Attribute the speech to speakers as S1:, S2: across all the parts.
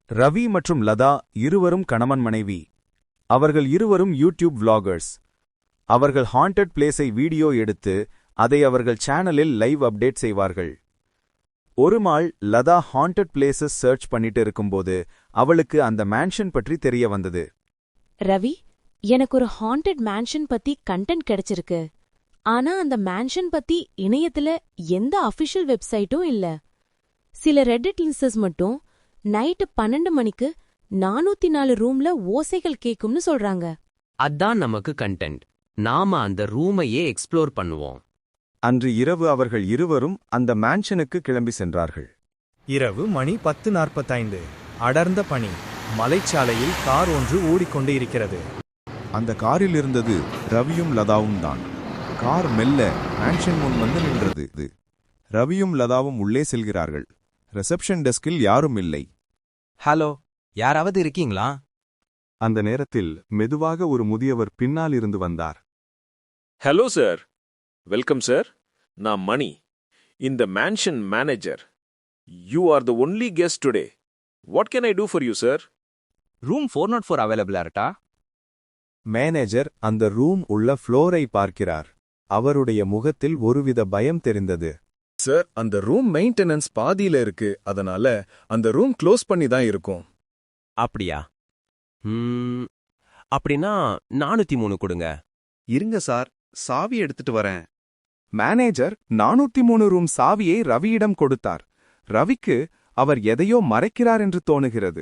S1: ரவி மற்றும் லதா இருவரும் கணவன் மனைவி. அவர்கள் இருவரும் யூடியூப் விளாகர்ஸ். அவர்கள் ஹாண்டட் பிளேஸை வீடியோ எடுத்து அதை அவர்கள் சேனலில் லைவ் அப்டேட் செய்வார்கள். ஒரு நாள் லதா ஹாண்டட் பிளேசஸ் சர்ச் பண்ணிட்டு இருக்கும்போது அவளுக்கு அந்த மேன்ஷன் பற்றி தெரிய வந்தது.
S2: ரவி, எனக்கு ஒரு ஹாண்டட் மேன்ஷன் பத்தி கண்டென்ட் கிடைச்சிருக்கு. ஆனா அந்த மேன்ஷன் பத்தி இணையத்துல எந்த அபிஷியல் வெப்சைட்டும் இல்ல. சில ரெடிட் லிஸ்டர்ஸ் மட்டும் நைட்டு 12 மணிக்கு 404 ரூம்ல ஓசைகள் கேக்கும்னு சொல்றாங்க.
S3: அதான் நமக்கு கண்டென்ட். நாம அந்த ரூமையே எக்ஸ்ப்ளோர் பண்ணுவோம்.
S1: அன்று இரவு அவர்கள் இருவரும் அந்த மேன்ஷனுக்கு கிளம்பி சென்றார்கள்.
S4: இரவு மணி 10:45. அடர்ந்த பனி. மலைச்சாலையில் கார் ஒன்று ஓடிக்கொண்டு இருக்கிறது.
S1: அந்த காரில் இருந்தது ரவியும் லதாவும் தான். கார் மெல்ல மேன்ஷன் முன் வந்து நின்றது. ரவியும் லதாவும் உள்ளே செல்கிறார்கள். ரிசப்ஷன் டெஸ்கில் யாரும் இல்லை.
S5: ஹலோ, யாராவது இருக்கீங்களா?
S1: அந்த நேரத்தில் மெதுவாக ஒரு முதியவர் பின்னால் இருந்து வந்தார்.
S6: Hello sir, welcome sir. நான் மணி, இந்த mansion manager. You are the only guest today. What can I do for you sir?
S5: Room 404 அவைலபிளா இருக்கா?
S1: மேனேஜர் அந்த ரூம் உள்ள ஃப்ளோரை பார்க்கிறார். அவருடைய முகத்தில் ஒருவித பயம் தெரிந்தது.
S7: சார், அந்த ரூம் மெயின்டெனன்ஸ் பாதியில இருக்கு. அதனால அந்த ரூம் க்ளோஸ் பண்ணி தான் இருக்கும்.
S5: அப்படியா? அப்படின்னா 403 கொடுங்க.
S7: இருங்க சார், சாவி எடுத்துட்டு வரேன்.
S1: மேனேஜர் 403 ரூம் சாவியை ரவியிடம் கொடுத்தார். ரவிக்கு அவர் எதையோ மறைக்கிறார் என்று தோணுகிறது.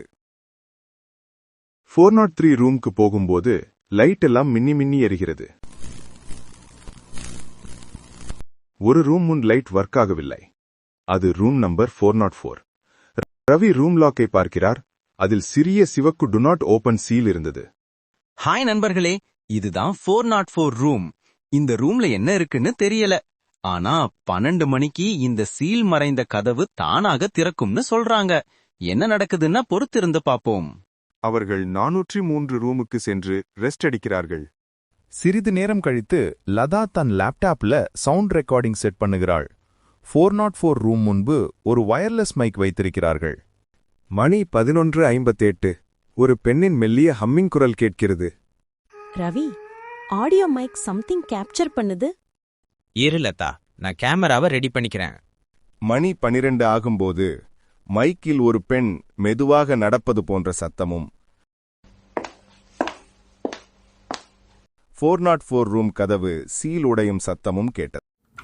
S1: 403 ரூம்க்கு போகும்போது லைட் எல்லாம் மின்னி மின்னி எரிகிறது. ஒரு ரூம் முன் லைட் ஒர்க் ஆகவில்லை. அது ரூம் நம்பர் 404. ரவி ரூம் லாக்கை பார்க்கிறார். அதில் சிறிய சிவக்கு டு நாட் ஓபன் சீல் இருந்தது.
S5: ஹாய் நண்பர்களே, இதுதான் 404 ரூம். இந்த ரூம்ல என்ன இருக்குன்னு தெரியல. ஆனா 12 மணிக்கு இந்த சீல் மறைந்த கதவு தானாக திறக்கும்னு சொல்றாங்க. என்ன நடக்குதுன்னா பொறுத்திருந்து பாப்போம்.
S1: அவர்கள் 403 ரூமுக்கு சென்று ரெஸ்ட் அடிக்கிறார்கள். சிறிது நேரம் கழித்து லதா தன் லேப்டாப்ல சவுண்ட் ரெக்கார்டிங் செட் பண்ணுகிறாள். 404 ரூம் முன்பு ஒரு வயர்லெஸ் மைக் வைத்திருக்கிறார்கள். மணி 11:58. ஒரு பெண்ணின் மெல்லிய ஹம்மிங் குரல் கேட்கிறது.
S2: Ravi, audio mic something capture பண்ணுது.
S5: லதா, நான் கேமராவை ரெடி பண்ணிக்கிறேன்.
S1: மணி 12 ஆகும்போது மைக்கில் ஒரு பெண் மெதுவாக நடப்பது போன்ற சத்தமும் 404 ரூம் கதவு சீல் உடையும் சத்தமும் கேட்டது.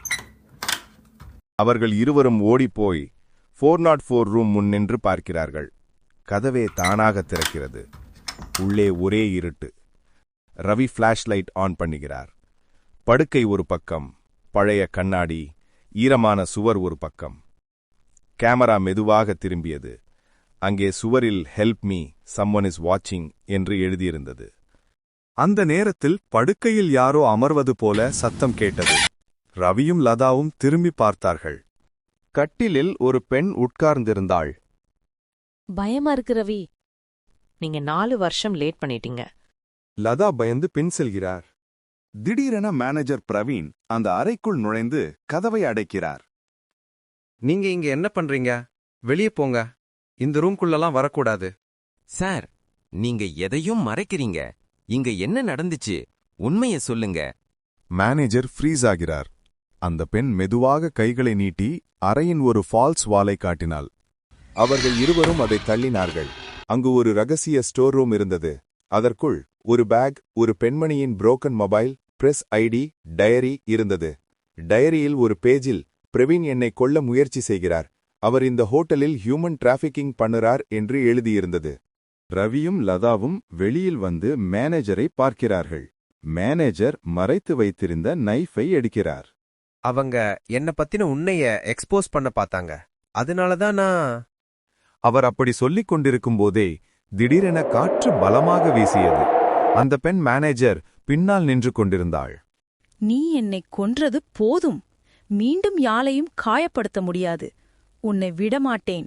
S1: அவர்கள் இருவரும் ஓடிப்போய் 404 ரூம் முன் நின்று பார்க்கிறார்கள். கதவே தானாக திறக்கிறது. உள்ளே ஒரே இருட்டு. ரவி ஃபிளாஷ் லைட் ஆன் பண்ணுகிறார். படுக்கை ஒரு பக்கம், பழைய கண்ணாடி, ஈரமான சுவர் ஒரு பக்கம். கேமரா மெதுவாக திரும்பியது. அங்கே சுவரில் ஹெல்ப் மீ, சம்ஒன் இஸ் வாட்சிங் என்று எழுதியிருந்தது. அந்த நேரத்தில் படுக்கையில் யாரோ அமர்வது போல சத்தம் கேட்டது. ரவியும் லதாவும் திரும்பி பார்த்தார்கள். கட்டிலில் ஒரு பெண் உட்கார்ந்திருந்தாள்.
S2: பயமா இருக்கு ரவி.
S8: நீங்க 4 வருஷம் லேட் பண்ணிட்டீங்க.
S1: லதா பயந்து பின் செல்கிறார். திடீரென மேனேஜர் பிரவீன் அந்த அறைக்குள் நுழைந்து கதவை அடைக்கிறார்.
S9: நீங்க இங்க என்ன பண்றீங்க? வெளியே போங்க. இந்த ரூம்குள்ளலாம் வரக்கூடாது.
S5: சார், நீங்க எதையும் மறைக்கிறீங்க. இங்க என்ன நடந்துச்சு? உண்மைய சொல்லுங்க.
S1: மேனேஜர் ஃப்ரீஸ் ஆகிறார். அந்த பெண் மெதுவாக கைகளை நீட்டி அறையின் ஒரு ஃபால்ஸ் வாலை காட்டினாள். அவர்கள் இருவரும் அதை தள்ளினார்கள். அங்கு ஒரு ரகசிய ஸ்டோர் ரூம் இருந்தது. அதற்குள் ஒரு பேக், ஒரு பெண்மணியின் broken mobile, press ID, diary இருந்தது. டயரியில் ஒரு பேஜில் பிரவீன் என்னை கொல்ல முயற்சி செய்கிறார், அவர் இந்த ஹோட்டலில் ஹியூமன் டிராஃபிக்கிங் பண்ணுறார் என்று எழுதியிருந்தது. ரவியும் லதாவும் வெளியில் வந்து மேனேஜரை பார்க்கிறார்கள். மேனேஜர் மறைத்து வைத்திருந்த நைஃபை எடுக்கிறார்.
S9: அவங்க என்ன பத்தின உண்மைய எக்ஸ்போஸ் பண்ண பார்த்தாங்க. அதனாலதான் நான்...
S1: அவர் அப்படி சொல்லிக் கொண்டிருக்கும் போதே திடீரென காற்று பலமாக வீசியது. அந்த பெண் மேனேஜர் பின்னால் நின்று கொண்டிருந்தாள்.
S10: நீ என்னை கொன்றது போதும். மீண்டும் யாரையும் காயப்படுத்த முடியாது. உன்னை விடமாட்டேன்.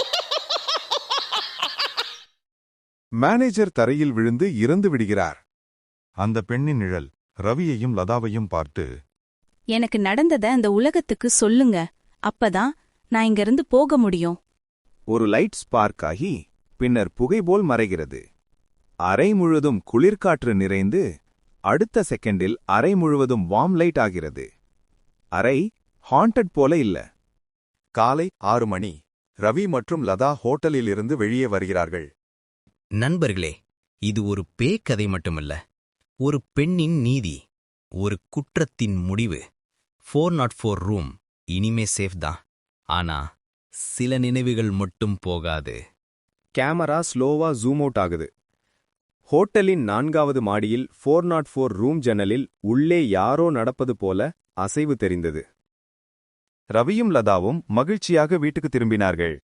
S1: மேனேஜர் தரையில் விழுந்து இறந்து விடுகிறார். அந்த பெண்ணின் நிழல் ரவியையும் லதாவையும் பார்த்து,
S10: எனக்கு நடந்தத அந்த உலகத்துக்கு சொல்லுங்க. அப்பதான் நான் இங்கிருந்து போக முடியும்.
S1: ஒரு லைட் ஸ்பார்க் ஆகி பின்னர் புகை போல் மறைகிறது. அறை முழுவதும் குளிர்காற்று நிறைந்து அடுத்த செகண்டில் அறை முழுவதும் வார்ம் லைட் ஆகிறது. அறை ஹாண்டட் போல இல்ல.
S7: காலை 6 மணி. ரவி மற்றும் லதா ஹோட்டலில் இருந்து வெளியே வருகிறார்கள்.
S5: நண்பர்களே, இது ஒரு பேய்க்கதை மட்டுமல்ல, ஒரு பெண்ணின் நீதி, ஒரு குற்றத்தின் முடிவு. 404 ரூம் இனிமே சேஃப் தான். ஆனா சில நினைவுகள் மட்டும் போகாது.
S4: கேமரா ஸ்லோவா ஜூம் அவுட் ஆகுது. ஹோட்டலின் 4வது மாடியில் 404 ரூம் ஜன்னலில் உள்ளே யாரோ நடப்பது போல அசைவு தெரிந்தது.
S1: ரவியும் லதாவும் மகிழ்ச்சியாக வீட்டுக்கு திரும்பினார்கள்.